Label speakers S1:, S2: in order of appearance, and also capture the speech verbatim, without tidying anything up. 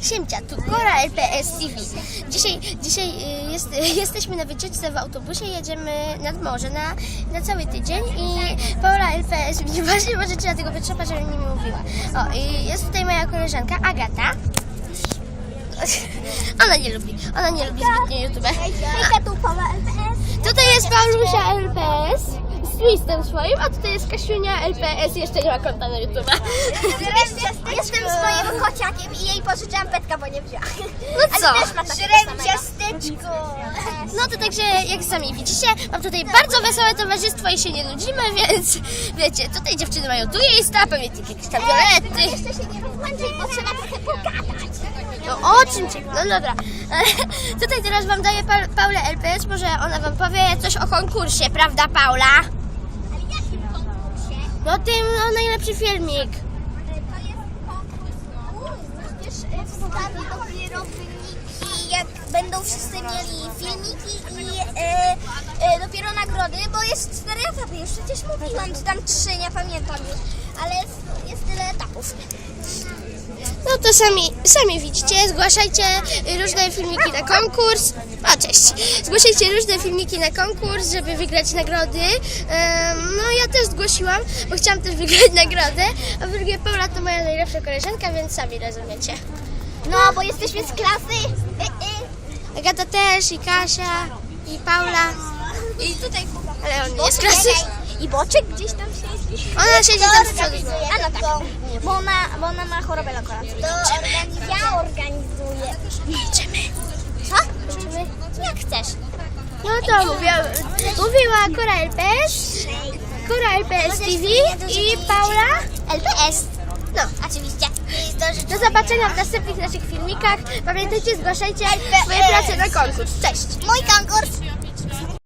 S1: Siemcia, tu Kora L P S T V. Dzisiaj, dzisiaj y, jest, y, jesteśmy na wycieczce w autobusie, jedziemy nad morze na, na cały tydzień i Paula L P S mnie właśnie możecie na tego wytrzepa, żebym nie mówiła. O, i jest tutaj moja koleżanka Agata. Ona nie lubi, ona nie lubi zbytnio YouTube.
S2: Hejka, tu Paula L P S.
S1: Tutaj jest Paulusia L P S z twistem swoim, a tutaj jest Kasiunia L P S, jeszcze nie ma konta na YouTube.
S2: Jestem z moim kociakiem i jej pożyczałam petka, bo nie wzięła.
S1: No co?
S2: Ale też ma takiego ciasteczko.
S1: No to także, jak sami widzicie, mam tutaj bardzo wesołe towarzystwo i się nie nudzimy, więc wiecie, tutaj dziewczyny mają tu miejsca, pamiętajcie jakieś tam violety.
S2: Jeszcze się nie rozłączaj, bo trzeba trochę pogadać.
S1: No o czym cię? No dobra. Tutaj teraz wam daję pa Paulę L P S, może ona wam powie coś o konkursie, prawda Paula?
S2: Ale jakim konkursie?
S1: No tym, no najlepszy filmik.
S2: To jest konkurs. Przecież wstawi dopiero wyniki, jak będą wszyscy mieli filmiki i e, e, dopiero nagrody, bo jest cztery etapy. Już przecież mówiłam, czy tam trzy, nie pamiętam już, ale jest, jest tyle etapów.
S1: No to sami, sami widzicie, zgłaszajcie różne filmiki na konkurs. O, cześć. Zgłaszajcie różne filmiki na konkurs, żeby wygrać nagrody. Um, no ja też zgłosiłam, bo chciałam też wygrać nagrodę. A drugie Paula to moja najlepsza koleżanka, więc sami rozumiecie.
S2: No, bo jesteśmy z klasy. Y, y.
S1: Agata też, i Kasia, i Paula.
S2: I tutaj
S1: Ale on nie jest z klasy.
S2: I Boczek gdzieś tam siedzi.
S1: Ona siedzi tam z przodu.
S2: A no tak, bo ona, bo ona ma chorobę lokoracyjną. Ja organizuję.
S1: Idziemy.
S2: Co? Jak chcesz.
S1: No to mówiła, mówiła Kora L P S, Kora L P S T V i Paula.
S2: L P S.
S1: No.
S2: Oczywiście.
S1: Do zobaczenia w następnych naszych filmikach. Pamiętajcie, zgłaszajcie swoje prace na konkurs. Cześć!
S2: Mój konkurs.